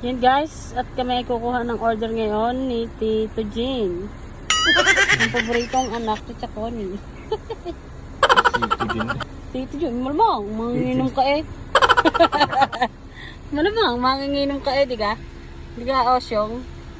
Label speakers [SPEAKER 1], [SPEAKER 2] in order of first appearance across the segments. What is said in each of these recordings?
[SPEAKER 1] Yan guys, at kami ay kukuha ng order ngayon ni Tito Jean. Ang paboritong anak ni Chaconi. Tito Jean, malamang, manginginom ka eh. Malamang, manginginom ka eh, di ka? Di ka, Osyong?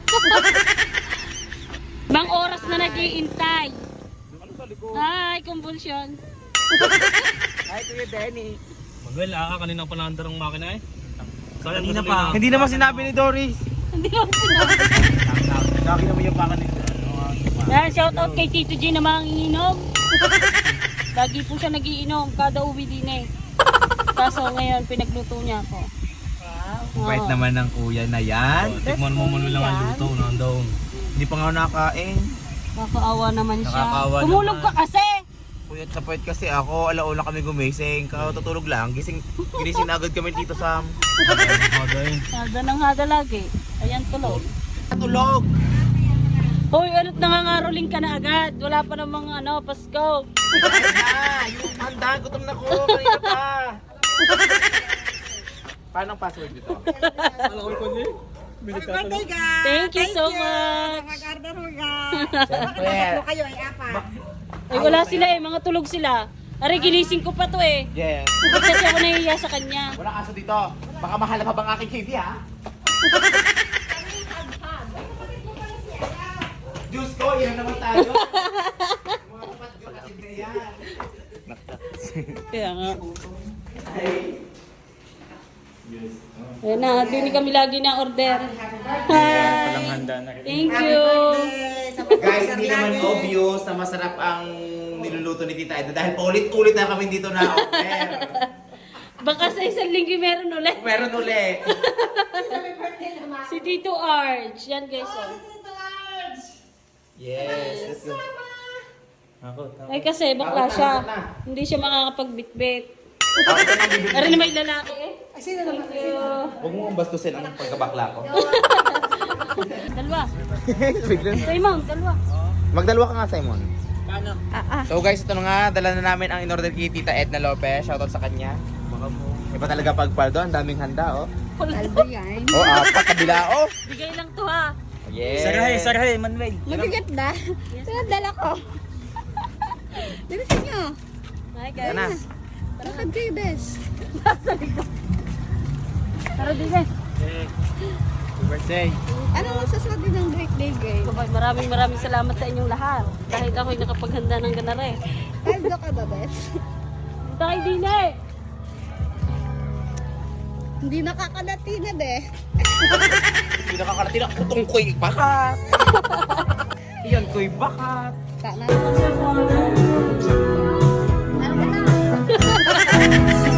[SPEAKER 1] Mang oras na nag-iintay. Hi, kumbulsyon.
[SPEAKER 2] Hi, Kuya Denny.
[SPEAKER 3] Manuel, kanina pa naandar ang makina eh.
[SPEAKER 2] Kanina pa. Hindi naman sinabi ni Doris.
[SPEAKER 1] Hindi ako sinabi.
[SPEAKER 2] Nakakita mo yung baka nito.
[SPEAKER 1] Yan, shout out kay Tito G na manginginom. Lagi po siya nagiinom, kada uwi din eh. Kaso ngayon, pinagluto niya ako. Wow.
[SPEAKER 2] Bait naman ng kuya na yan.
[SPEAKER 3] Tikman mo Manuel lang ang luto, nandoon.
[SPEAKER 2] Hindi pa nga ako nakakain.
[SPEAKER 1] Nakakaawa naman siya.
[SPEAKER 2] Nakakaawa
[SPEAKER 1] Tumulog
[SPEAKER 2] naman.
[SPEAKER 1] ka kasi!
[SPEAKER 2] Puyat sa puyat kasi ako, alauna kami gumising. Kakatutulog lang. Ginising na agad kami dito sa
[SPEAKER 1] Hada ng hada lagi. Ayan tuloy.
[SPEAKER 2] tulog.
[SPEAKER 1] Hoy, ano't nangangaroling ka na agad? Wala pa namang Pasko.
[SPEAKER 2] Yung handa, gutom na ko. Kanina pa. Paano ang password dito?
[SPEAKER 1] Thank you so much.
[SPEAKER 4] Mag-order mo guys.
[SPEAKER 2] Siyempre.
[SPEAKER 4] Kayo ay apat.
[SPEAKER 1] Ay, wala sila eh. Mga tulog sila. Aray, ginising ko pa to eh.
[SPEAKER 2] Yes.
[SPEAKER 1] Bakit kasi ako nahihiya sa kanya?
[SPEAKER 2] Walang aso dito. Baka mahal na pa bang aking KV ha? Diyos ko, yan naman tayo. Mga kapat ko kasi na yan.
[SPEAKER 1] Kaya nga.
[SPEAKER 2] Ay.
[SPEAKER 1] Ayan na, hindi kami lagi na order.
[SPEAKER 3] Palang
[SPEAKER 1] Hi!
[SPEAKER 3] handa na rin.
[SPEAKER 1] Thank you!
[SPEAKER 2] Guys, hindi naman obvious na masarap ang niluluto ni Tita Eda dahil ulit-ulit na kami dito na order.
[SPEAKER 1] Baka sa isang linggo meron ulit.
[SPEAKER 2] Meron uli.
[SPEAKER 1] Si Tito Arch. Yan guys. Oh.
[SPEAKER 2] Yes. Let's go.
[SPEAKER 1] Ay kasi bakla siya. Hindi siya makakapagbitbit.
[SPEAKER 2] Ako ito nang bibili.
[SPEAKER 1] Ari na may lalaki eh. Thank you.
[SPEAKER 2] Huwag mo ang bastusin ang pagkabakla ko.
[SPEAKER 1] Dalawa.
[SPEAKER 2] Biglang.
[SPEAKER 1] Simon, dalawa.
[SPEAKER 2] Magdalawa ka nga, Simon.
[SPEAKER 3] Paano?
[SPEAKER 2] So guys, ito na nga, dala na namin ang in-order kay Tita Edna Lopez. Shoutout sa kanya.
[SPEAKER 3] Baka mo.
[SPEAKER 2] Iba talaga pagpaldo, ang daming handa, oh.
[SPEAKER 4] Albo yan.
[SPEAKER 2] Oh, apat kabila, oh.
[SPEAKER 1] Bigay lang to ha.
[SPEAKER 2] Yes.
[SPEAKER 3] Sarahe, Manuel.
[SPEAKER 4] Mabigat na. Ito dala ko. Bilisan nyo.
[SPEAKER 1] Hi
[SPEAKER 2] Yan
[SPEAKER 1] guys.
[SPEAKER 2] na.
[SPEAKER 4] Lakad kayo, Des.
[SPEAKER 1] Tara din eh.
[SPEAKER 2] Happy birthday.
[SPEAKER 4] Ano masasabi ng birthday, guys?
[SPEAKER 1] Maraming salamat sa inyong lahat. Kahit ako'y nakapaghanda ng ganare.
[SPEAKER 4] Paldo ka ba, Des?
[SPEAKER 1] Tayo din eh.
[SPEAKER 4] Hindi nakakalati na, de.
[SPEAKER 2] Hindi nakakalatin ang putong ko'y bakat. Iyan ko'y bakat.
[SPEAKER 4] Ano ka na?